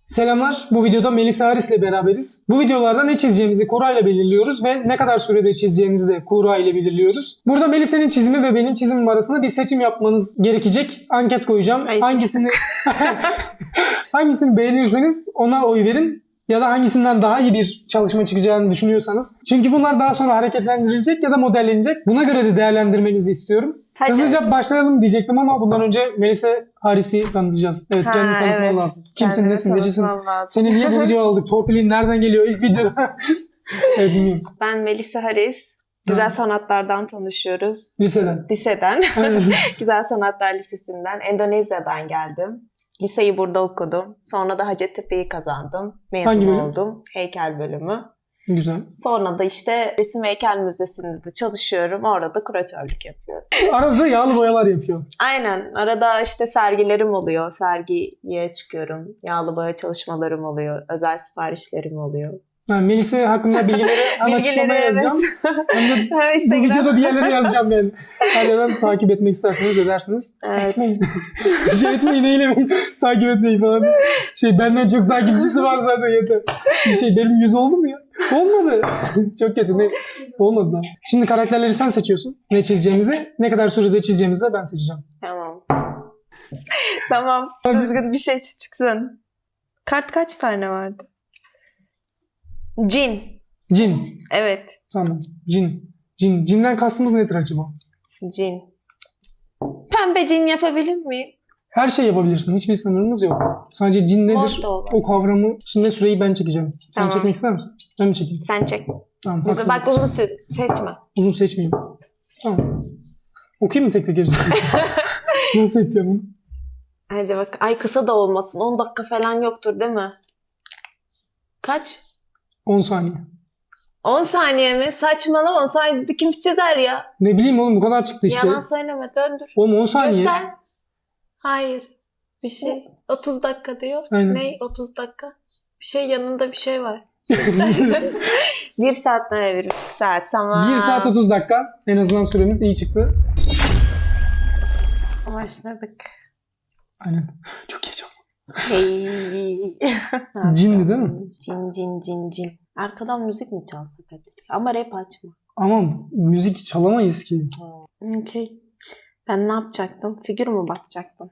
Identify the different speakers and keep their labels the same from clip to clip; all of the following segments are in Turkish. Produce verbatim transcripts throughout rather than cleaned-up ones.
Speaker 1: Selamlar. Bu videoda Melisa Haris ile beraberiz. Bu videolarda ne çizeceğimizi Kura ile belirliyoruz ve ne kadar sürede çizeceğimizi de Kura ile belirliyoruz. Burada Melisa'nın çizimi ve benim çizimim arasında bir seçim yapmanız gerekecek. Anket koyacağım.
Speaker 2: Ay,
Speaker 1: Hangisini hangisini beğenirseniz ona oy verin. Ya da hangisinden daha iyi bir çalışma çıkacağını düşünüyorsanız. Çünkü bunlar daha sonra hareketlendirilecek ya da modellenecek. Buna göre de değerlendirmenizi istiyorum.
Speaker 2: Hadi.
Speaker 1: Hızlıca başlayalım diyecektim ama bundan önce Melisa Haris'i tanıtacağız. Evet,
Speaker 2: Ha,
Speaker 1: kendini tanıtman
Speaker 2: evet.
Speaker 1: lazım. Kimsin,
Speaker 2: Kendimi
Speaker 1: nesin, necisin?
Speaker 2: tanıtmam lazım.
Speaker 1: Seni niye bu videoya aldık? Torpilin nereden geliyor ilk videoda? Evet, bilmiyoruz.
Speaker 2: Ben Melisa Haris. Güzel sanatlardan tanışıyoruz.
Speaker 1: Liseden.
Speaker 2: Liseden.
Speaker 1: Evet.
Speaker 2: Güzel Sanatlar Lisesi'nden. Endonezya'dan geldim. Liseyi burada okudum. Sonra da Hacettepe'yi kazandım. Mezun
Speaker 1: Hangi bölüm?
Speaker 2: oldum. Heykel bölümü.
Speaker 1: Güzel.
Speaker 2: Sonra da işte Resim Heykel Müzesi'nde de çalışıyorum. Orada da kuratörlük yapıyorum.
Speaker 1: Arada da yağlı boyalar yapıyor.
Speaker 2: Aynen. Arada işte sergilerim oluyor. Sergiye çıkıyorum. Yağlı boya çalışmalarım oluyor. Özel siparişlerim oluyor.
Speaker 1: Yani Melisa hakkında bilgileri hem
Speaker 2: Bilgileri,
Speaker 1: açıklamaya
Speaker 2: evet.
Speaker 1: yazacağım. Hem de
Speaker 2: Ha,
Speaker 1: bu
Speaker 2: Instagram.
Speaker 1: videoda bir yerlere yazacağım ben. Her yerden takip etmek isterseniz edersiniz.
Speaker 2: Evet.
Speaker 1: Etmeyin. şey etmeyin, eylemeyin. Takip etmeyin falan. Şey, benden çok takipçisi var zaten, yeter. Bir şey, benim yüz oldu mu ya? Olmadı. Çok kötü, neyse. Olmadı daha. Şimdi karakterleri sen seçiyorsun. Ne çizeceğimizi, ne kadar sürede çizeceğimizi de ben seçeceğim.
Speaker 2: Tamam. Tamam.
Speaker 1: Hadi.
Speaker 2: Düzgün bir şey çıksın. Kart kaç tane vardı? Cin.
Speaker 1: Cin.
Speaker 2: Evet.
Speaker 1: Tamam. Cin. Cin. Cinden kastımız nedir acaba?
Speaker 2: Cin. Pembe cin yapabilir miyim?
Speaker 1: Her şey yapabilirsin. Hiçbir sınırımız yok. Sadece cin nedir?
Speaker 2: Mod da olur.
Speaker 1: O kavramı. Şimdi süreyi ben çekeceğim. Sen
Speaker 2: Tamam.
Speaker 1: çekmek ister misin? Ben mi çekeyim?
Speaker 2: Sen çek.
Speaker 1: Tamam.
Speaker 2: Bize
Speaker 1: haklısın.
Speaker 2: bak uzun süre seçme.
Speaker 1: Uzun seçmeyeyim. Tamam. Okuyayım mı tek tek hepsini? Nasıl seçeceğim bunu?
Speaker 2: Hadi bak. Ay kısa da olmasın. on dakika falan yoktur değil mi? Kaç?
Speaker 1: on saniye.
Speaker 2: on saniye mi? Saçmalama. on saniyede kim çizer ya?
Speaker 1: Ne bileyim oğlum, bu kadar çıktı işte.
Speaker 2: Yalan söyleme. Döndür.
Speaker 1: Oğlum on saniye.
Speaker 2: Göster. Hayır. Bir şey. otuz dakika diyor.
Speaker 1: Aynen.
Speaker 2: Ne? otuz dakika. Bir şey yanında bir şey var. Bir saat ne? Bir buçuk saat. Tamam.
Speaker 1: bir saat otuz dakika. En azından süremiz iyi çıktı.
Speaker 2: Başladık.
Speaker 1: Aynen. Çok heyecanlı.
Speaker 2: Hey.
Speaker 1: Cindi değil mi?
Speaker 2: Cin cin cin cin. Arkadan müzik mi çalsak hadi? Ama rap açma.
Speaker 1: Ama müzik çalamayız ki.
Speaker 2: Okey. Ben ne yapacaktım? Figür mü bakacaktım?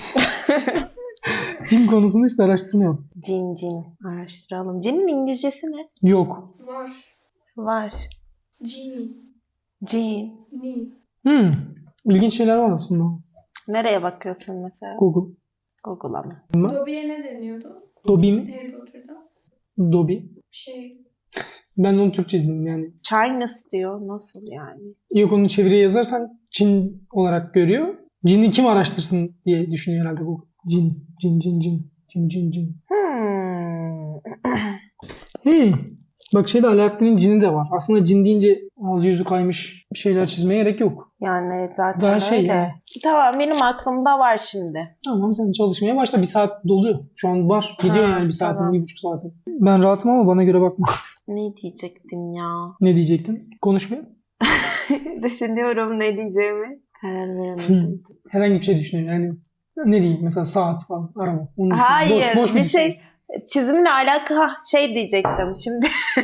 Speaker 1: Cin konusunda işte araştırma yok.
Speaker 2: Cin cin. Araştıralım. Cinin İngilizcesi ne?
Speaker 1: Yok.
Speaker 3: Var.
Speaker 2: Var.
Speaker 3: Genie.
Speaker 2: Cin.
Speaker 3: Ni.
Speaker 1: Hmm. İlginç şeyler var aslında.
Speaker 2: Nereye bakıyorsun mesela?
Speaker 1: Google.
Speaker 2: Google'a mı?
Speaker 3: Dobby'ye ne deniyordu?
Speaker 1: Dobby mi?
Speaker 3: Harry Potter'da.
Speaker 1: Dobby.
Speaker 3: Şey.
Speaker 1: Ben onu Türkçe izledim yani.
Speaker 2: Chinese diyor. Nasıl yani?
Speaker 1: Yok, onu çeviriye yazarsan Çin olarak görüyor. Cin'i kim araştırsın diye düşünüyor herhalde bu. Cin, cin, cin, cin, cin, cin, cin.
Speaker 2: Hmm.
Speaker 1: Hey. Bak şeyde Alaaddin'in cini de var. Aslında cin deyince ağzı yüzü kaymış bir şeyler çizmeye gerek yok.
Speaker 2: Yani zaten
Speaker 1: Daha
Speaker 2: öyle.
Speaker 1: şey yani.
Speaker 2: Tamam benim aklımda var şimdi.
Speaker 1: Tamam, sen çalışmaya başla. Bir saat doluyor. Şu an var. Gidiyor
Speaker 2: Ha,
Speaker 1: yani bir saatin,
Speaker 2: tamam.
Speaker 1: bir buçuk saatin. Ben rahatım ama bana göre bakma.
Speaker 2: Ne diyecektim ya?
Speaker 1: Ne diyecektin? Konuşmaya.
Speaker 2: Düşünüyorum ne diyeceğimi. Karar veremedim.
Speaker 1: Herhangi bir şey düşünüyorum. Yani ne diyeyim? Mesela saat falan, araba. Onu düşün.
Speaker 2: Hayır
Speaker 1: boş, boş
Speaker 2: bir
Speaker 1: düşün.
Speaker 2: şey çizimle alakalı ha, şey diyecektim şimdi.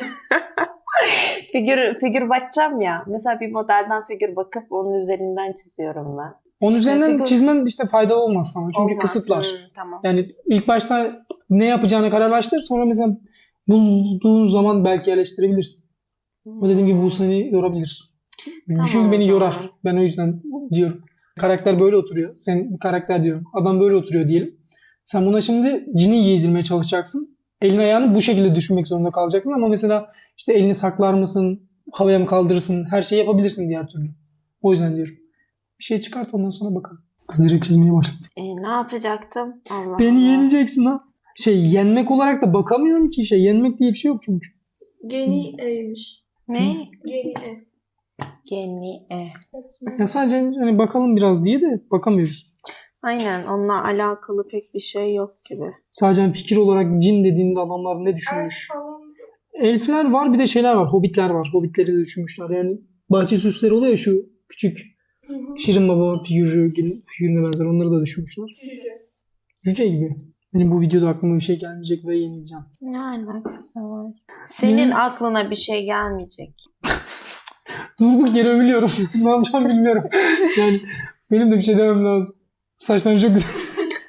Speaker 2: figür figür bakacağım ya. Mesela bir modelden figür bakıp onun üzerinden çiziyorum ben.
Speaker 1: Onun
Speaker 2: İşte
Speaker 1: üzerinden
Speaker 2: figür-
Speaker 1: çizmen işte faydalı olmaz sana. Çünkü
Speaker 2: Olmaz.
Speaker 1: kısıtlar.
Speaker 2: Hmm, tamam.
Speaker 1: Yani ilk başta ne yapacağını kararlaştır. Sonra mesela bulduğun zaman belki yerleştirebilirsin. Ama dediğim gibi bu seni yorabilir.
Speaker 2: Tamam,
Speaker 1: Çünkü
Speaker 2: o
Speaker 1: beni
Speaker 2: zaman.
Speaker 1: yorar. Ben o yüzden diyorum. Karakter böyle oturuyor. Sen bir karakter diyorum. Adam böyle oturuyor diyelim. Sen buna şimdi cini giydirmeye çalışacaksın. Elini ayağını bu şekilde düşünmek zorunda kalacaksın. Ama mesela işte elini saklar mısın? Havaya mı kaldırırsın? Her şeyi yapabilirsin diğer türlü. O yüzden diyorum. Bir şey çıkart, ondan sonra bakalım. Kız direkt çizmeye başladı.
Speaker 2: E, ne yapacaktım? Allah
Speaker 1: Beni
Speaker 2: Allah.
Speaker 1: yeneceksin ha. Şey, yenmek olarak da bakamıyorum ki. Şey, yenmek diye bir şey yok çünkü.
Speaker 3: Genie'ymiş.
Speaker 2: Ne?
Speaker 3: Genie.
Speaker 2: Genie.
Speaker 1: Ya sadece hani bakalım biraz diye de bakamıyoruz.
Speaker 2: Aynen onunla alakalı pek bir şey yok gibi.
Speaker 1: Sadece fikir olarak cin dediğinde adamlar ne düşünmüş?
Speaker 3: Elf falan.
Speaker 1: Elfler var, bir de şeyler var. Hobbitler var. Hobbitleri de düşünmüşler. Yani bahçe süsleri oluyor ya, şu küçük
Speaker 3: Hı hı.
Speaker 1: Şirin Baba figürü, figürüne benzer. Onları da düşünmüşler.
Speaker 3: Cüce.
Speaker 1: Cüce gibi. Benim bu videoda aklıma bir şey gelmeyecek ve yenileceğim.
Speaker 2: Ne alakası var? Senin
Speaker 1: Ne?
Speaker 2: aklına bir şey gelmeyecek.
Speaker 1: Durduk yere övülüyorum. Ne yapacağım bilmiyorum. Yani benim de bir şey demem lazım. Saçların çok güzel.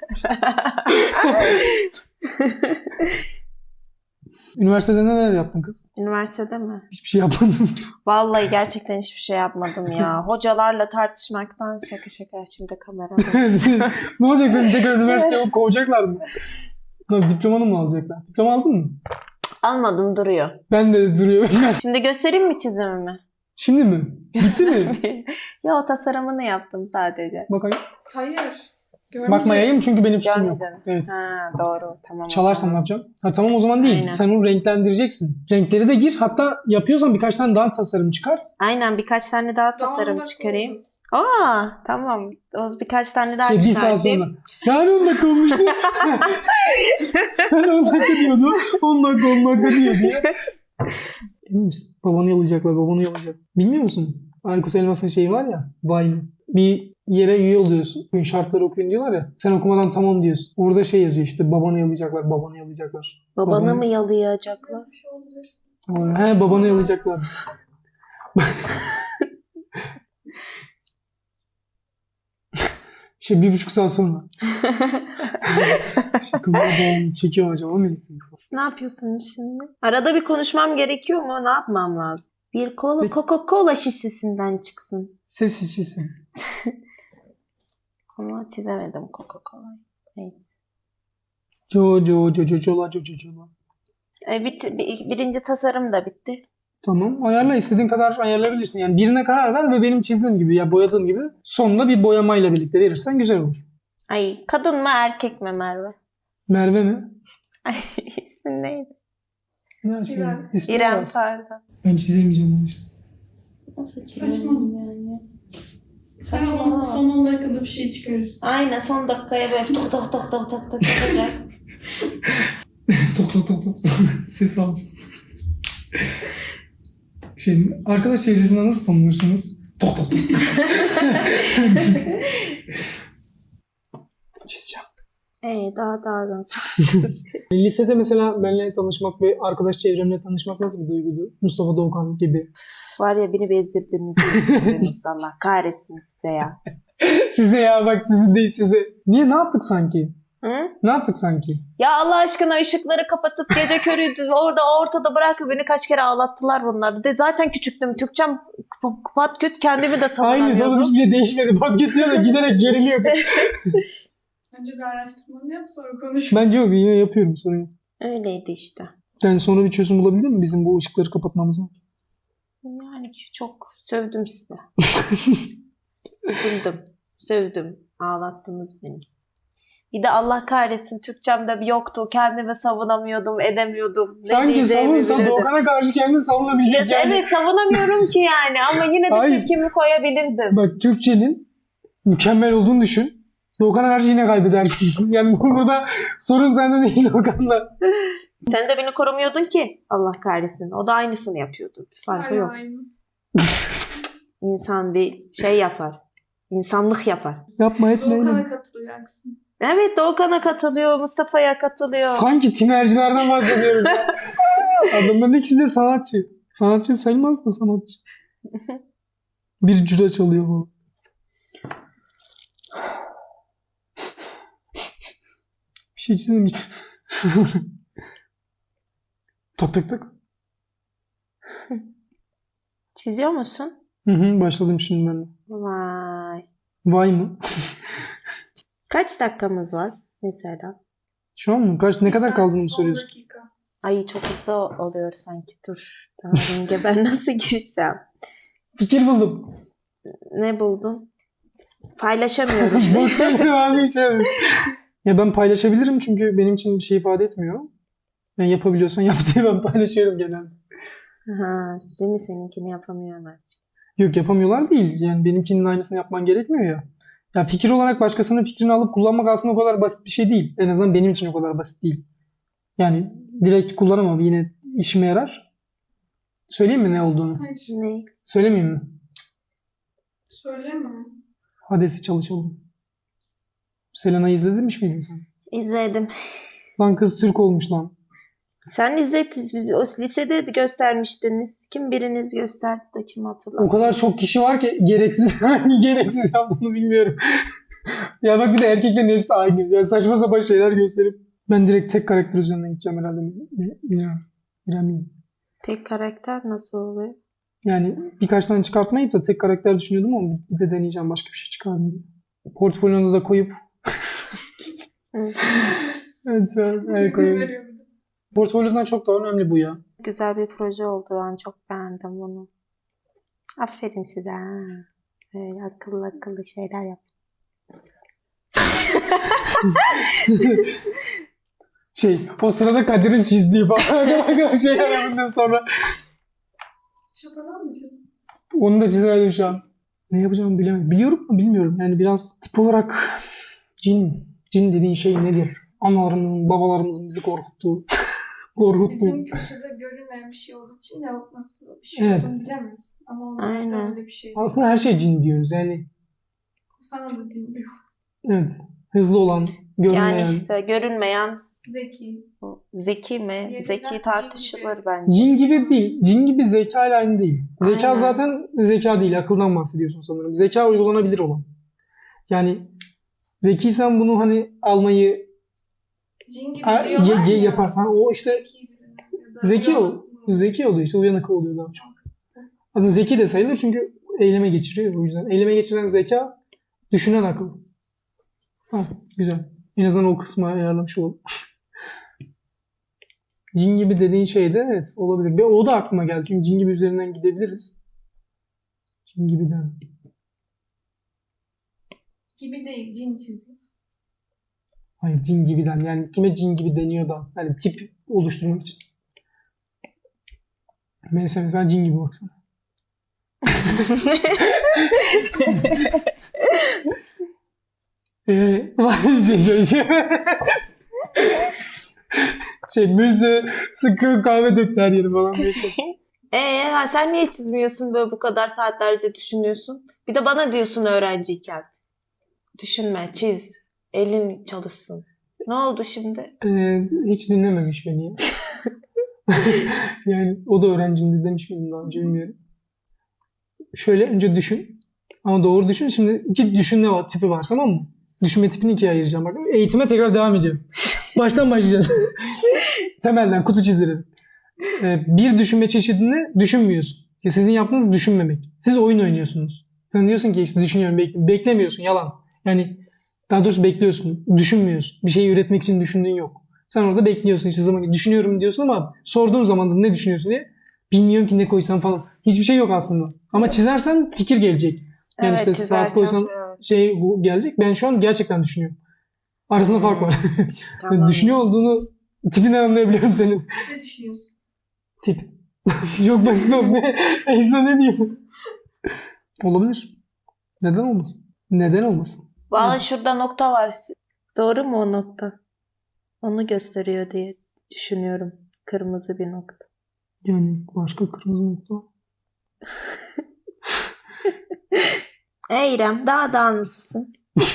Speaker 1: Üniversitede neler yaptın kız?
Speaker 2: Üniversitede mi?
Speaker 1: Hiçbir şey yapmadım.
Speaker 2: Vallahi gerçekten hiçbir şey yapmadım ya. Hocalarla tartışmaktan şaka şaka şimdi kamerada.
Speaker 1: Ne olacak, seni tekrar üniversiteye kovacaklar mı? Lan diplomanı mı alacaklar? Diploma aldın mı?
Speaker 2: Almadım duruyor.
Speaker 1: Ben de duruyor.
Speaker 2: Şimdi göstereyim mi çizimimi?
Speaker 1: Şimdi mi? Bitti mi?
Speaker 2: Ya o tasarımını yaptım sadece.
Speaker 1: Bakayım.
Speaker 3: Hayır. Görmeyeceğiz.
Speaker 1: Bakmayayım çünkü benim fikrim yok.
Speaker 2: Görmedin.
Speaker 1: Evet.
Speaker 2: Ha doğru tamam. o
Speaker 1: Çalarsam ne
Speaker 2: zaman.
Speaker 1: yapacağım? Ha, tamam o zaman değil.
Speaker 2: Aynen.
Speaker 1: Sen onu renklendireceksin. Renkleri de gir. Hatta yapıyorsan birkaç tane daha tasarım çıkart.
Speaker 2: Aynen birkaç tane daha
Speaker 3: Daha
Speaker 2: tasarım
Speaker 3: on dakika
Speaker 2: çıkarayım.
Speaker 3: oldu.
Speaker 2: Aa tamam. O birkaç tane daha
Speaker 1: Şey, bir saat
Speaker 2: çıkartayım.
Speaker 1: sonra. Yani on dakika olmuştu. Ben on dakika diyordum. on dakika on dakika diyor diye. Emin misin? Babanı yalayacaklar. Babanı yalayacak. Bilmiyor musun? Aykut Elmas'ın şeyi var ya. Vine'ı. Bir yere üye oluyorsun. Bugün şartları okuyun diyorlar ya. Sen okumadan tamam diyorsun. Orada şey yazıyor işte. Babanı yalayacaklar. Babanı yalayacaklar.
Speaker 2: Babanı
Speaker 1: Babanı-
Speaker 2: mı yalayacaklar?
Speaker 3: Bir şey olabilir.
Speaker 1: He, babanı yalayacaklar. Şey bir buçuk saat sonra. Şaka mı? Babam çekiyor acaba Melisa?
Speaker 2: Ne yapıyorsun şimdi? Arada bir konuşmam gerekiyor mu? Ne yapmam lazım? Bir kola
Speaker 1: Peki.
Speaker 2: Coca-Cola şişesinden çıksın.
Speaker 1: Ses şişesi.
Speaker 2: Ama çizemedim Coca-Cola'yı.
Speaker 1: Jo jo jo jo jola jo jo jola.
Speaker 2: E, bitti, bir- birinci tasarım da bitti.
Speaker 1: Tamam. Ayarla, istediğin kadar ayarlayabilirsin. Yani birine karar ver ve benim çizdiğim gibi ya boyadığım gibi sonunda bir boyamayla birlikte verirsen güzel olur.
Speaker 2: Ay kadın mı erkek mi Merve?
Speaker 1: Merve mi?
Speaker 2: Ay ismin neydi?
Speaker 1: Ne açayım?
Speaker 3: İrem.
Speaker 1: İsmi
Speaker 2: İrem
Speaker 1: var.
Speaker 2: pardon.
Speaker 1: Ben çizemeyeceğim onu işte.
Speaker 3: Saçma. Sen son, son on dakikada bir şey çıkarırsın.
Speaker 2: Aynen son dakikaya böyle tok tok tok tok tok tok yapacak.
Speaker 1: tok tok tok tok. Ses alacağım. Şey, arkadaş çevresinde nasıl tanınırsınız? Tok tok tok. Çizeceğim.
Speaker 2: Ee, daha daha da.
Speaker 1: Lisede mesela benimle tanışmak ve arkadaş çevremle tanışmak nasıl bir duyguydu? Mustafa Doğukan gibi.
Speaker 2: Var ya beni bezdirdiniz. bezdirdiniz. Allah kahretsin size ya.
Speaker 1: Size ya bak, sizin değil size. Niye, ne yaptık sanki?
Speaker 2: Hı?
Speaker 1: Ne yaptık sanki?
Speaker 2: Ya Allah aşkına ışıkları kapatıp gece körüydü orada ortada bırakıp beni kaç kere ağlattılar bunlar. Bir de zaten küçüktüm. Türkçem pat küt kendimi de
Speaker 1: Aynı
Speaker 2: savunamıyordum.
Speaker 1: oğlum, hiçbir şey değişmedi. Basket diyor da giderek geriliyor.
Speaker 3: Önce bir araştırmanı yap sonra konuşuruz.
Speaker 1: Ben yok, yine yapıyorum, sorun yok.
Speaker 2: Öyleydi işte.
Speaker 1: Yani sonra bir çözüm bulabilir mi bizim bu ışıkları kapatmamıza?
Speaker 2: Yani çok sövdüm size. Üzüldüm. Sövdüm. Ağlattınız beni. Bir de Allah kahretsin Türkçemde yoktu. Kendimi savunamıyordum, edemiyordum. Ne
Speaker 1: Sanki
Speaker 2: diyeceğimi
Speaker 1: savunsan
Speaker 2: bilemedim.
Speaker 1: Doğukan'a karşı kendini savunabilecek
Speaker 2: Ya,
Speaker 1: yani.
Speaker 2: evet savunamıyorum ki yani ama yine de
Speaker 1: Hayır.
Speaker 2: tepkimi koyabilirdim.
Speaker 1: Bak, Türkçenin mükemmel olduğunu düşün. Doğukan'a karşı yine kaybedersin. Yani burada sorun sende değil, Doğukan'da.
Speaker 2: Sen de beni korumuyordun ki. Allah kahretsin. O da aynısını yapıyordu. Bir farkı
Speaker 3: Hala
Speaker 2: yok.
Speaker 3: aynı.
Speaker 2: İnsan bir şey yapar. İnsanlık yapar.
Speaker 1: Yapma etme.
Speaker 3: Doğukan'a
Speaker 1: eyleme.
Speaker 3: katılacaksın.
Speaker 2: Evet Doğukan'a katılıyor. Mustafa'ya katılıyor.
Speaker 1: Sanki tinercilerden bahsediyoruz ya. Adamların ikisi de sanatçı. Sanatçı sayılmaz da sanatçı. Bir cüre çalıyor bu. Bir şey çizemeyeceğim. tak tak tak.
Speaker 2: Çiziyor musun?
Speaker 1: Hı hı, başladım şimdi ben de.
Speaker 2: Vay.
Speaker 1: Vay mı?
Speaker 2: Kaç dakikamız var mesela?
Speaker 1: Şu an mı? Kaç, ne
Speaker 3: Bir
Speaker 1: kadar
Speaker 3: saat,
Speaker 1: kaldığını
Speaker 3: on
Speaker 1: soruyorsun.
Speaker 3: dakika.
Speaker 2: Ay çok hızlı oluyor sanki. Dur. Daha ringe ben nasıl gireceğim?
Speaker 1: Fikir buldum.
Speaker 2: Ne buldun? Paylaşamıyoruz.
Speaker 1: Baksana abi bir şey yapmış. Ya ben paylaşabilirim çünkü benim için bir şey ifade etmiyor. Yani yapabiliyorsan yap diye ben paylaşıyorum genelde.
Speaker 2: Ha, değil mi seninkini yapamıyorlar?
Speaker 1: Yok, yapamıyorlar değil. Yani benimkinin aynısını yapman gerekmiyor ya. Ya fikir olarak başkasının fikrini alıp kullanmak aslında o kadar basit bir şey değil. En azından benim için o kadar basit değil. Yani direkt kullanamam, yine işime yarar. Söyleyeyim mi ne olduğunu?
Speaker 3: Hayır.
Speaker 2: Ne?
Speaker 1: Söylemeyeyim mi?
Speaker 3: Söyleme.
Speaker 1: Hades'i çalışalım. Selena'yı izlemiş miydin sen?
Speaker 2: İzledim.
Speaker 1: Lan kız Türk olmuş lan.
Speaker 2: Sen izlediniz. Biz o lisede de göstermiştiniz. Kim biriniz gösterdi de kim
Speaker 1: O
Speaker 2: hatırlamıyor.
Speaker 1: kadar çok kişi var ki gereksiz hangi gereksiz yaptığını bilmiyorum. Ya bak bir de erkeklerin hepsi aynı. Ya saçma sapan şeyler gösterip ben direkt tek karakter üzerinden gideceğim herhalde. Bilmiyorum. Bilmiyorum.
Speaker 2: Tek karakter nasıl oluyor?
Speaker 1: Yani birkaç tane çıkartmayıp da tek karakter düşünüyordum ama bir de deneyeceğim başka bir şey çıkardım diye. Portfolyonu da koyup
Speaker 2: Hı.
Speaker 1: evet, evet, evet,
Speaker 3: İzin
Speaker 1: koyuyorum.
Speaker 3: veriyor bir de.
Speaker 1: Portfolyodan çok daha önemli bu ya.
Speaker 2: Güzel bir proje oldu. Ben çok beğendim bunu. Aferin size. Ha. Böyle akıllı akıllı şeyler yap.
Speaker 1: Şey, o sırada Kadir'in çizdiği falan şey yapamadım sonra.
Speaker 3: Şapadan mı çizim?
Speaker 1: Onu da çizemedim şu an. Ne yapacağımı bilemedim. Biliyorum mu bilmiyorum. Yani biraz tip olarak cin. Cin dediğin şey nedir? Analarımızın, babalarımızın bizi korkuttuğu.
Speaker 3: İşte
Speaker 1: korkuttuğu.
Speaker 3: bizim kültürde görünmeyen bir şey olduğu için yahut nasıl bir şey
Speaker 1: Evet.
Speaker 3: olduğunu bilemez. Ama onlarda
Speaker 2: Aynen.
Speaker 3: öyle bir şey değil.
Speaker 1: Aslında her şey cin diyoruz. Yani
Speaker 3: Sana da din diyor.
Speaker 1: evet. Hızlı olan, görünmeyen.
Speaker 2: Yani işte görünmeyen
Speaker 3: Zeki.
Speaker 2: o zeki mi?
Speaker 3: Yerinden
Speaker 2: Zeki
Speaker 3: cin
Speaker 2: tartışılır
Speaker 3: gibi.
Speaker 2: bence.
Speaker 1: Cin gibi değil. Cin gibi zeka ile aynı değil. Zeka
Speaker 2: Aynen.
Speaker 1: zaten zeka değil. Akıldan bahsediyorsun sanırım. Zeka uygulanabilir olan. Yani zekiysen bunu hani almayı
Speaker 3: Cin gibi
Speaker 1: ha,
Speaker 3: diyorlar
Speaker 1: ye, ye
Speaker 3: ya.
Speaker 1: yaparsan o işte
Speaker 3: Zeki biri ya da
Speaker 1: zeki
Speaker 3: uyanık
Speaker 1: ol.
Speaker 3: mı?
Speaker 1: Zeki oluyor işte. Uyanık oluyor daha çok. Aslında zeki de sayılır çünkü eyleme geçiriyor o yüzden. Eyleme geçiren zeka, düşünen akıl. Ha, güzel. En azından o kısmı ayarlamış olalım. Cin gibi dediğin şey de evet olabilir. Ve o da aklıma geldi. Çünkü cin gibi üzerinden gidebiliriz. Cin gibiden.
Speaker 3: Gibi değil, cin çizgisi.
Speaker 1: Hayır cin gibiden. Yani kime cin gibi deniyor da. Yani tip oluşturmak için. Mesela mesela cin gibi baksana. Eee var bir şey söyleyeceğim. Şey mürse sıkı kahve döktü her yeri falan diye şey.
Speaker 2: Ee, ha, sen niye çizmiyorsun böyle bu kadar saatlerce düşünüyorsun? Bir de bana diyorsun öğrenciyken. Düşünme, çiz. Elin çalışsın. Ne oldu şimdi?
Speaker 1: Ee, hiç dinlememiş beni ya. Yani o da öğrencimdi demiş miydim daha önce bilmiyorum. Şöyle önce düşün. Ama doğru düşün. Şimdi iki düşünme var, tipi var tamam mı? Düşünme tipini ikiye ayıracağım. Bak, eğitime tekrar devam ediyorum. Baştan başlayacağız. Temelden kutu çizdirelim. Ee, bir düşünme çeşidini düşünmüyorsun. Ya sizin yaptığınız düşünmemek. Siz oyun oynuyorsunuz. Sen diyorsun ki işte düşünüyorum, bekliyorum. Beklemiyorsun, yalan. Yani daha doğrusu bekliyorsun, düşünmüyorsun. Bir şeyi üretmek için düşündüğün yok. Sen orada bekliyorsun işte zaman düşünüyorum diyorsun ama sorduğun zaman da ne düşünüyorsun diye bilmiyorum ki ne koysam falan. Hiçbir şey yok aslında. Ama çizersen fikir gelecek. Yani
Speaker 2: Evet,
Speaker 1: işte
Speaker 2: çizersen
Speaker 1: saat koysan
Speaker 2: evet.
Speaker 1: şey bu gelecek. Ben şu an gerçekten düşünüyorum. Arasında fark var.
Speaker 2: Tamam.
Speaker 1: Düşünüyor olduğunu tipinden anlayabiliyorum senin.
Speaker 3: Ne düşünüyorsun?
Speaker 1: Tip. Çok basit oldu. Ne? Esra ne diyeyim? Olabilir. Neden olmasın? Neden olmasın?
Speaker 2: Valla şurada nokta var. Doğru mu o nokta? Onu gösteriyor diye düşünüyorum. Kırmızı bir nokta.
Speaker 1: Yani başka kırmızı nokta var.
Speaker 2: Ey İrem, daha da nasılsın?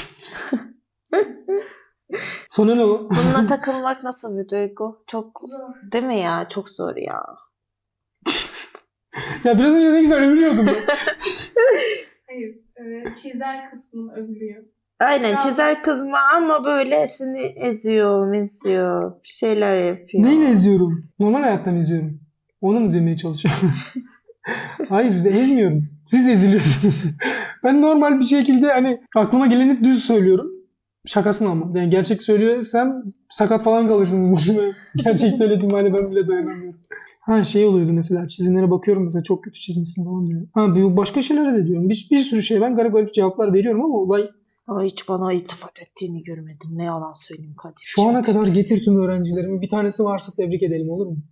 Speaker 1: Sonra ne o?
Speaker 2: Bununla takılmak nasıl bir duygu? Çok
Speaker 3: Zor.
Speaker 2: değil mi ya? Çok zor ya.
Speaker 1: Ya biraz önce ne güzel övülüyordum ya.
Speaker 3: Hayır, e, çizer kısmını övülüyor.
Speaker 2: Aynen
Speaker 3: Şu an-
Speaker 2: çizer kızma ama böyle seni eziyor, meziyor, bir şeyler yapıyor.
Speaker 1: Neyle eziyorum? Normal hayattan eziyorum. Onu mu demeye çalışıyorum? Hayır ezmiyorum. Siz eziliyorsunuz. Ben normal bir şekilde hani aklıma geleni düz söylüyorum. Şakasına ama. Yani gerçek söylüyorsam sakat falan kalırsınız. Gerçek söylediğim hali ben bile dayanamıyorum. Ha şey oluyordu mesela çizimlere bakıyorum mesela çok kötü çizmişsin falan diyor. Ha bir başka şeylere de diyorum. Bir, bir sürü şey ben garip garip cevaplar veriyorum ama olay
Speaker 2: Ama hiç bana iltifat ettiğini görmedim. Ne yalan söyleyeyim kardeşim.
Speaker 1: şu ana kadar getir tüm öğrencilerimi bir tanesi varsa tebrik edelim olur mu?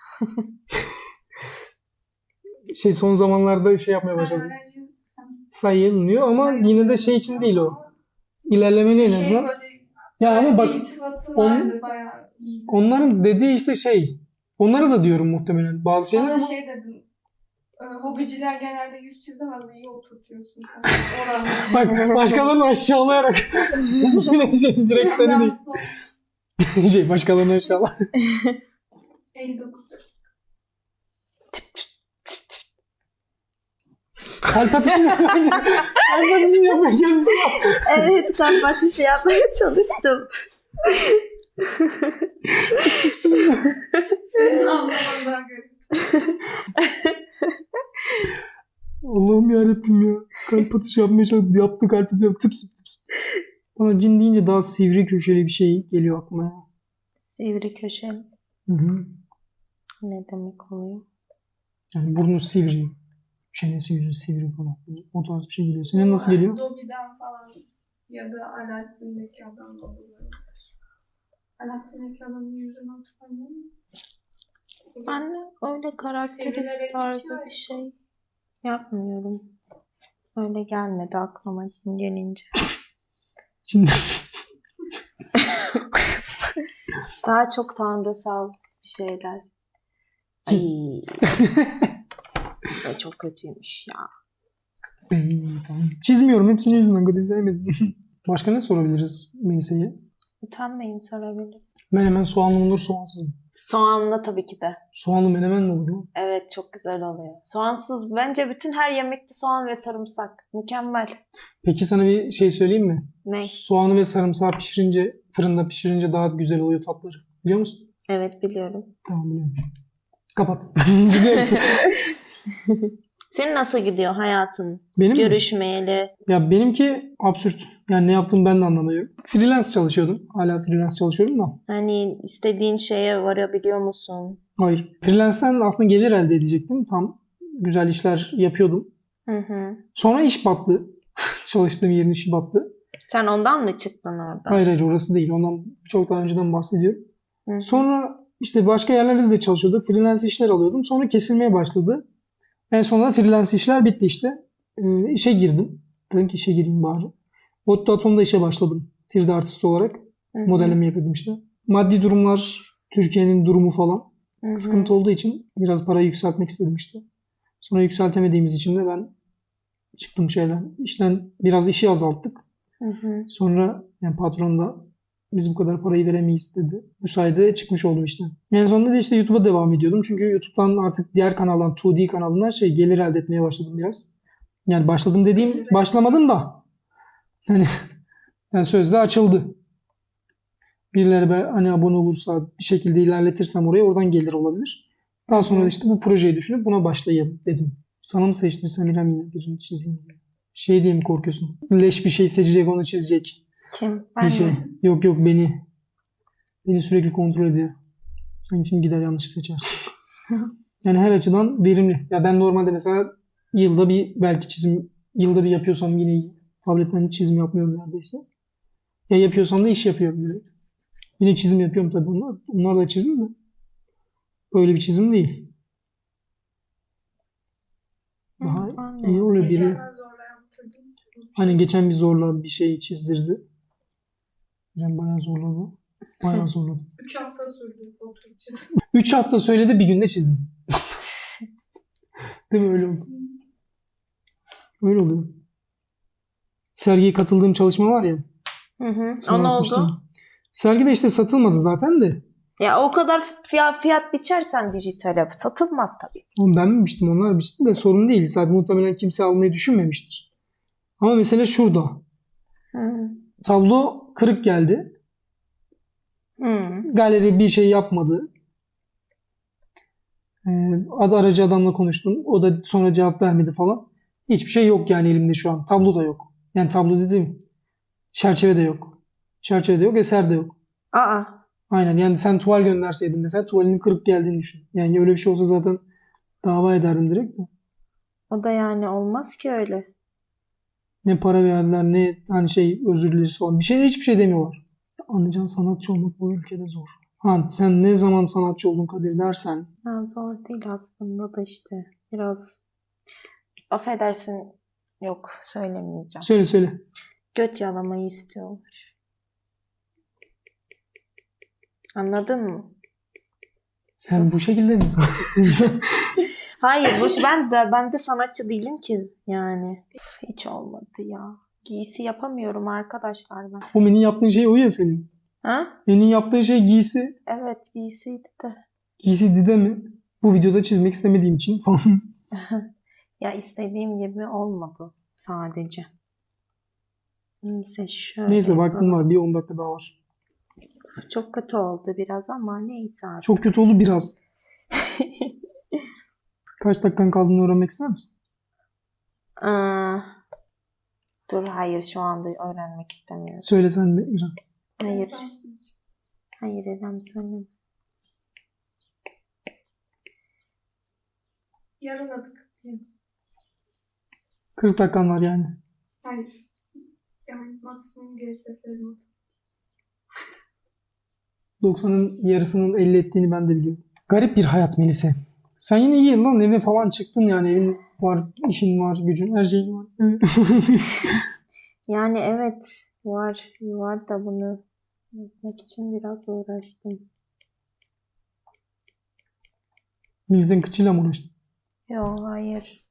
Speaker 1: Şey son zamanlarda şey yapmaya
Speaker 3: Ben
Speaker 1: başladım.
Speaker 3: öğrenciyim, sen-
Speaker 1: Sayılmıyor ama yine de şey için değil o. İlerlemeli en
Speaker 3: Şey
Speaker 1: azından.
Speaker 3: böyle,
Speaker 1: Ya ama bak
Speaker 3: bir iltifatı
Speaker 1: on-
Speaker 3: vardı bayağı iyi.
Speaker 1: onların dediği işte şey. Onlara da diyorum muhtemelen bazı şeyler
Speaker 3: Bana
Speaker 1: ama
Speaker 3: şey dedin. e, Hobiciler genelde yüz çizemez, iyi oturtuyorsun sen. Oranı.
Speaker 1: bak başkalarını aşağılayarak yine şey direkt seni
Speaker 3: Ben
Speaker 1: değil.
Speaker 3: mutlu olmuştum.
Speaker 1: şey başkalarına inşallah.
Speaker 3: elli dokuz dakika.
Speaker 1: Kalp atışı mı yapmaya çalıştın? Kalp atışı mı yapmaya çalıştın?
Speaker 2: Evet, kalp atışı yapmaya çalıştım.
Speaker 1: Tıps tıps tıps.
Speaker 3: Senin anlaman daha garip.
Speaker 1: Allah'ım yarabbim ya. Kalp atışı yapmaya çalıştım. Yaptı kalp atışı yaptı. Tıps tıps tıps. Bana cin deyince daha sivri köşeli bir şey geliyor aklıma ya.
Speaker 2: Sivri köşeli.
Speaker 1: Hı hı.
Speaker 2: Ne demek oluyor?
Speaker 1: Yani burnu sivri. Çenesi yüzü sivri falan. O tarz bir şey geliyor. Senin nasıl geliyor?
Speaker 3: Dobby'den falan ya da Alaaddin'deki adam da olabilir. Alaaddin'deki adamın yüzünü hatırlamıyor musun?
Speaker 2: Ben öyle karakterist
Speaker 3: Sivrilerek
Speaker 2: tarzı
Speaker 3: bitiyor
Speaker 2: bir şey yapmıyorum. Öyle gelmedi aklıma cin gelince.
Speaker 1: Şimdi
Speaker 2: Daha çok tanrısal bir şeyler. Ay. Bu çok kötüymüş ya.
Speaker 1: Ey, tamam. Çizmiyorum. Hepsini yüzünden kadar sevmedim. Başka ne sorabiliriz Melisa'ya?
Speaker 2: Utanmayın, sorabiliriz.
Speaker 1: Menemen soğanlı mı olur soğansız mı?
Speaker 2: Soğanlı tabii ki de.
Speaker 1: Soğanlı menemen mi olur mu?
Speaker 2: Evet, çok güzel oluyor. Soğansız bence bütün her yemekte soğan ve sarımsak. Mükemmel.
Speaker 1: Peki sana bir şey söyleyeyim mi?
Speaker 2: Ne?
Speaker 1: Soğanı ve sarımsağı pişirince, fırında pişirince daha güzel oluyor tatları. Biliyor musun?
Speaker 2: Evet, biliyorum.
Speaker 1: Tamam biliyorum. Kapat. Biliyorsun.
Speaker 2: Senin nasıl gidiyor hayatın?
Speaker 1: Benim mi?
Speaker 2: Görüşmeyeli.
Speaker 1: Ya benimki absürt. Yani ne yaptığımı ben de anlamıyorum. Freelance çalışıyordum. Hala freelance çalışıyorum da.
Speaker 2: Hani istediğin şeye varabiliyor musun?
Speaker 1: Hayır. Freelance'den aslında gelir elde edecektim. Tam güzel işler yapıyordum.
Speaker 2: Hı hı.
Speaker 1: Sonra iş battı. Çalıştığım yerin işi battı.
Speaker 2: Sen ondan mı çıktın oradan?
Speaker 1: Hayır hayır orası değil. Ondan çok daha önceden bahsediyorum.
Speaker 2: Hı hı.
Speaker 1: Sonra işte başka yerlerde de çalışıyorduk. Freelance işler alıyordum. Sonra kesilmeye başladı. En sonunda freelance işler bitti işte. Ee, işe girdim. Dedim ki işe gireyim bari. Otto Atom'da işe başladım. üç D artist olarak.
Speaker 2: Hı hı.
Speaker 1: Modelleme yapıyordum işte. Maddi durumlar, Türkiye'nin durumu falan
Speaker 2: Hı hı.
Speaker 1: sıkıntı olduğu için biraz parayı yükseltmek istedim işte. Sonra yükseltemediğimiz için de ben çıktım şeyden. İşten biraz işi azalttık.
Speaker 2: Hı hı.
Speaker 1: Sonra yani patron da biz bu kadar parayı veremeyiz dedi. Bu sayede çıkmış oldum işten. En sonunda da işte YouTube'a devam ediyordum. Çünkü YouTube'dan artık diğer kanaldan, iki D kanalından şey gelir elde etmeye başladım biraz. Yani başladım dediğim başlamadım da. Hani yani sözde açıldı. Birileri ben hani abone olursa bir şekilde ilerletirsem oraya oradan gelir olabilir. Daha sonra da işte bu projeyi düşünüp buna başlayayım dedim. Sana mı seçtirsem İrem yine birini çizeyim diye. Şey diye mi korkuyorsun? Leş bir şey seçecek onu çizecek.
Speaker 2: Kim?
Speaker 1: Bir
Speaker 2: Ben
Speaker 1: şey.
Speaker 2: mi?
Speaker 1: Yok yok beni. Beni sürekli kontrol ediyor. Sen için gider yanlış seçersin. Yani her açıdan verimli. Ya ben normalde mesela yılda bir belki çizim yılda bir yapıyorsam yine iyi. Tabletten hiç çizim yapmıyorum neredeyse. Ya yapıyorsam da iş yapıyorum direkt. Yine çizim yapıyorum tabii onlar. Onlar da çizim mi? Böyle bir çizim değil. Daha
Speaker 2: Hı, anladım.
Speaker 1: iyi oluyor biri.
Speaker 3: Geçen ben zorla yaptırdım.
Speaker 1: Hani geçen bir zorla bir şey çizdirdi. Yani bayağı zorladı. Bayağı zorladı.
Speaker 3: Üç hafta sürdü oturup çizim.
Speaker 1: Üç hafta söyledi bir günde çizdim. Değil mi öyle oldu? Öyle oluyor. Sergiye katıldığım çalışma var ya.
Speaker 2: Hı hı.
Speaker 1: sana
Speaker 2: O ne
Speaker 1: atmıştım.
Speaker 2: oldu?
Speaker 1: Sergide işte satılmadı zaten de.
Speaker 2: Ya o kadar fiyat, fiyat biçersen dijitale satılmaz tabii.
Speaker 1: Oğlum ben mi biçtim onlar biçti de sorun değil. Zaten muhtemelen kimse almayı düşünmemiştir. Ama mesele şurada.
Speaker 2: Hı.
Speaker 1: Tablo kırık geldi.
Speaker 2: Hı.
Speaker 1: Galeri bir şey yapmadı. Ee, adı aracı adamla konuştum. O da sonra cevap vermedi falan. Hiçbir şey yok yani elimde şu an. Tablo da yok. Yani tablo dediğim çerçeve de yok. Çerçeve de yok, eser de yok.
Speaker 2: Aa.
Speaker 1: Aynen yani sen tuval gönderseydin mesela tuvalinin kırık geldiğini düşün. Yani öyle bir şey olsa zaten dava ederdim direkt de.
Speaker 2: O da yani olmaz ki öyle.
Speaker 1: Ne para verdiler ne hani şey özür dileriz falan. Bir şey hiçbir şey demiyorlar. Anlayacağın sanatçı olmak bu ülkede zor. Ha sen ne zaman sanatçı oldun Kadir dersen.
Speaker 2: Ha, zor değil aslında da işte. Biraz affedersin, yok söylemeyeceğim.
Speaker 1: Söyle söyle.
Speaker 2: Göt yalamayı istiyorlar. Anladın mı?
Speaker 1: Sen bu şekilde mi sanatçı?
Speaker 2: Hayır, boş ben de ben de sanatçı değilim ki yani. Hiç olmadı ya. Giysi yapamıyorum arkadaşlar ben.
Speaker 1: O benim yaptığın şey o ya senin.
Speaker 2: Ha?
Speaker 1: Elin yaptığı şey giysi.
Speaker 2: Evet, giysiydi de.
Speaker 1: Giysi Dide mi? Bu videoda çizmek istemediğim için falan.
Speaker 2: Ya istediğim gibi olmadı sadece. Neyse şöyle
Speaker 1: Neyse vaktim
Speaker 2: yapalım.
Speaker 1: var. Bir on dakika daha var.
Speaker 2: Çok kötü oldu biraz ama neyse artık.
Speaker 1: Çok kötü oldu biraz. Kaç dakikan kaldığını öğrenmek ister misin?
Speaker 2: Aa, dur hayır şu anda öğrenmek istemiyorum.
Speaker 1: Söyle sen de İrem.
Speaker 2: Hayır.
Speaker 3: Sen söyle.
Speaker 2: Hayır İrem söyle.
Speaker 3: Yarın adı kutlayalım.
Speaker 1: kırk dakikan var yani.
Speaker 3: Hayır. Yani maksimum geri seferim adı.
Speaker 1: doksanın yarısının elli ettiğini ben de biliyorum. Garip bir hayat Melisa. Sen yine iyi lan, eve falan çıktın yani, evin var, işin var, gücün, her şeyin var.
Speaker 2: Yani evet var var da bunu yapmak için biraz uğraştım.
Speaker 1: Milletin kıçıyla mı uğraştın?
Speaker 2: Yok hayır.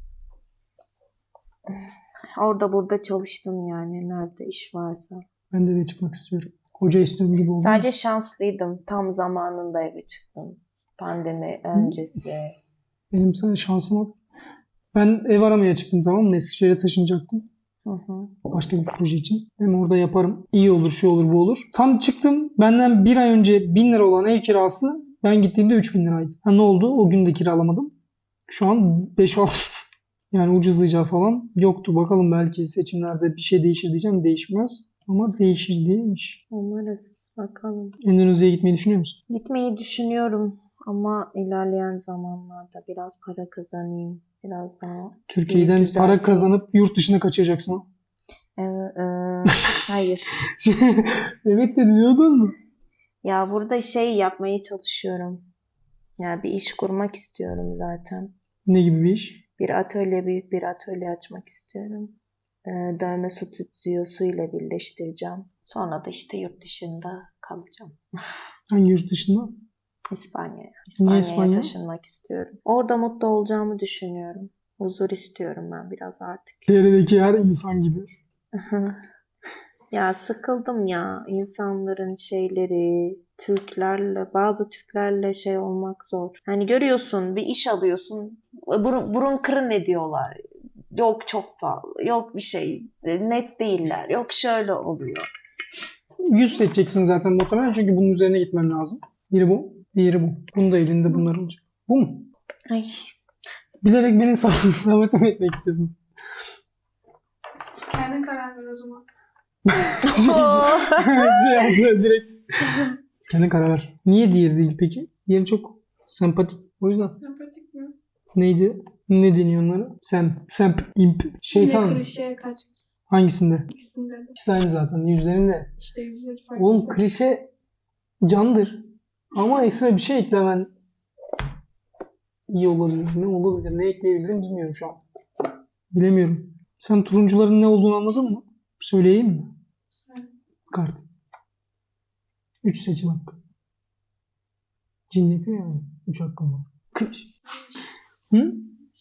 Speaker 2: Orada burada çalıştım yani nerede iş varsa.
Speaker 1: Ben de eve çıkmak istiyorum. Hoca istiyorum gibi oldu.
Speaker 2: Sadece şanslıydım. Tam zamanında eve çıktım. Pandemi öncesi.
Speaker 1: Benim sana şansıma. Ben ev aramaya çıktım, tamam mı? Eskişehir'e taşınacaktım.
Speaker 2: Hı hı.
Speaker 1: Başka bir proje için. Hem orada yaparım. İyi olur, şu olur, bu olur. Tam çıktım. Benden bir ay önce bin lira olan ev kirası ben gittiğimde üç bin liraydı. Ha, ne oldu? O gün de kiralamadım. Şu an beş altı yani ucuzlayacağı falan yoktu. Bakalım belki seçimlerde bir şey değişir diyeceğim. Değişmez. Ama değişir değilmiş.
Speaker 2: Umarız bakalım.
Speaker 1: Endonezya'ya gitmeyi düşünüyor musun?
Speaker 2: Gitmeyi düşünüyorum ama ilerleyen zamanlarda biraz para kazanayım. Biraz daha
Speaker 1: Türkiye'den
Speaker 2: İyi,
Speaker 1: para
Speaker 2: düzelteyim.
Speaker 1: kazanıp yurt dışına kaçacaksın.
Speaker 2: Ee, e, hayır.
Speaker 1: Evet de diyordun mu?
Speaker 2: Ya burada şey yapmaya çalışıyorum. Ya bir iş kurmak istiyorum zaten.
Speaker 1: Ne gibi bir iş?
Speaker 2: Bir atölye, büyük bir atölye açmak istiyorum. Ee, dövme stüdyosuyla birleştireceğim. Sonra da işte yurt dışında kalacağım.
Speaker 1: Hangi yurt dışında?
Speaker 2: İspanya'ya. İspanya'ya
Speaker 1: İspanya?
Speaker 2: taşınmak istiyorum. Orada mutlu olacağımı düşünüyorum. Huzur istiyorum ben biraz artık.
Speaker 1: Çevredeki her insan gibi.
Speaker 2: Ya sıkıldım ya insanların şeyleri, Türklerle, bazı Türklerle şey olmak zor. Hani görüyorsun bir iş alıyorsun, burun, burun kırın ediyorlar. Yok çok pahalı, yok bir şey, net değiller, yok şöyle oluyor.
Speaker 1: Yüz seçeceksin zaten muhtemelen, çünkü bunun üzerine gitmen lazım. Biri bu, diğeri bu. Bunun da elinde bunlar olacak. Bu mu?
Speaker 2: Ay.
Speaker 1: Bilerek beni sabote mi etmek istiyorsunuz?
Speaker 3: Kendin karar ver o zaman.
Speaker 1: şey, şey yaptı direkt. Kendin karar ver. Niye diğeri değil peki? Diğeri çok sempatik. O yüzden.
Speaker 3: Sempatik mi?
Speaker 1: Neydi? Ne deniyor onlara? Sem, semp, imp,
Speaker 3: Yine
Speaker 1: şeytan.
Speaker 3: klişeye kaçmış.
Speaker 1: Hangisinde?
Speaker 3: İkisinde de.
Speaker 1: İkisi aynı zaten. Yüzlerinde.
Speaker 3: İşte yüzleri farklı.
Speaker 1: Oğlum klişe candır. Ama ekstra bir şey eklemen iyi olabilir. Ne olabilir? Ne ekleyebilirim bilmiyorum şu an. Bilemiyorum. Sen turuncuların ne olduğunu anladın mı? Söyleyeyim mi?
Speaker 3: Sen-
Speaker 1: Kart. Üç seçim hakkı. Cin yapıyor yani. Üç hakkım var. Kıç. Hı?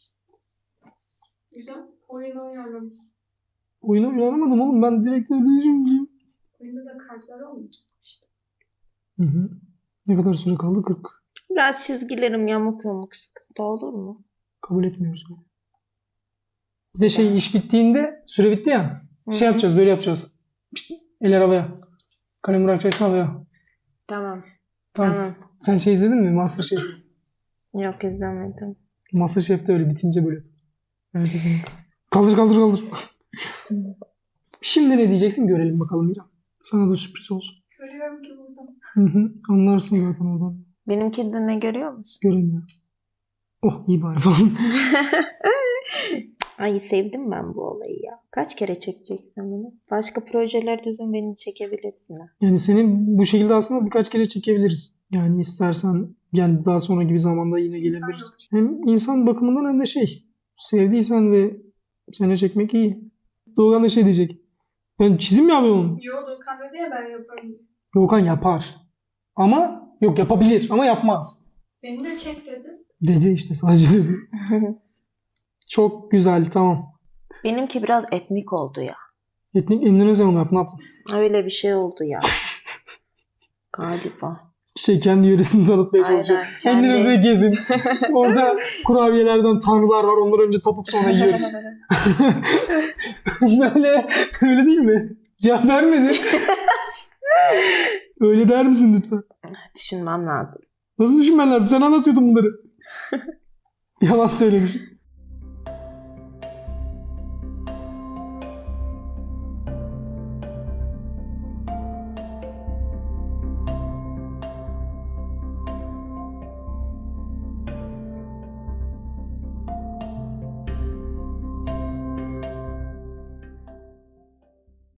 Speaker 3: Güzel. Oyun oynarlamışsın.
Speaker 1: Oyunu oynamadım oğlum. Ben direkt öyle düşünmüyorum.
Speaker 3: Oyunda da kartlar olmayacak işte.
Speaker 1: Hı hı. Ne kadar süre kaldı? kırk.
Speaker 2: Biraz çizgilerim yamuk yamuk sıkıntı olur mu?
Speaker 1: Kabul etmiyoruz bunu. Bir de şey, iş bittiğinde süre bitti ya.
Speaker 2: Hı
Speaker 1: Şey
Speaker 2: hı.
Speaker 1: yapacağız, böyle yapacağız. Pişt, eller havaya. Kalem bırakacaksın havaya.
Speaker 2: Tamam.
Speaker 1: Tamam.
Speaker 2: Tamam.
Speaker 1: Sen şey izledin mi? Masterchef.
Speaker 2: Yok izlemedim.
Speaker 1: Masterchef'te öyle bitince böyle. Evet kesinlikle. Kaldır kaldır kaldır. Şimdi ne diyeceksin görelim bakalım İrem. Sana da sürpriz olsun.
Speaker 3: Görüyorum ki buradan.
Speaker 1: Hı hı. Anlarsın zaten oradan.
Speaker 2: Benimki de ne görüyor musun?
Speaker 1: Göremiyor. Oh iyi bari falan.
Speaker 2: Ay sevdim ben bu olayı ya. Kaç kere çekeceksin bunu? Başka projeler düzün beni çekebilirsin ha.
Speaker 1: Yani seni bu şekilde aslında birkaç kere çekebiliriz. Yani istersen yani daha sonra gibi zamanda yine gelebiliriz. Hem insan bakımından hem de şey, sevdiysen ve seni çekmek iyi. Doğukan da şey diyecek. Ben çizim mi yapıyorum?
Speaker 3: Yo Doğukan dedi ya ben yaparım.
Speaker 1: Doğukan yapar. Ama yok, yapabilir ama yapmaz.
Speaker 3: Beni de çek dedi.
Speaker 1: Dedi işte, sadece dedi. Çok güzel, tamam.
Speaker 2: Benimki biraz etnik oldu ya.
Speaker 1: Etnik Endonezya mı yaptın? Ne yaptın?
Speaker 2: Öyle bir şey oldu ya. Galiba.
Speaker 1: Şey kendi yöresini tanıtmaya çalışıyor.
Speaker 2: Aynen, kendi-
Speaker 1: Endonezya'ya gezin. Orada kurabiyelerden tanrılar var. Onları önce tapıp sonra yiyoruz. Böyle, öyle değil mi? Cevap vermedi. Öyle der misin lütfen?
Speaker 2: Düşünmem lazım.
Speaker 1: Nasıl düşünmen lazım? Sen anlatıyordun bunları. Yalan söylemiş.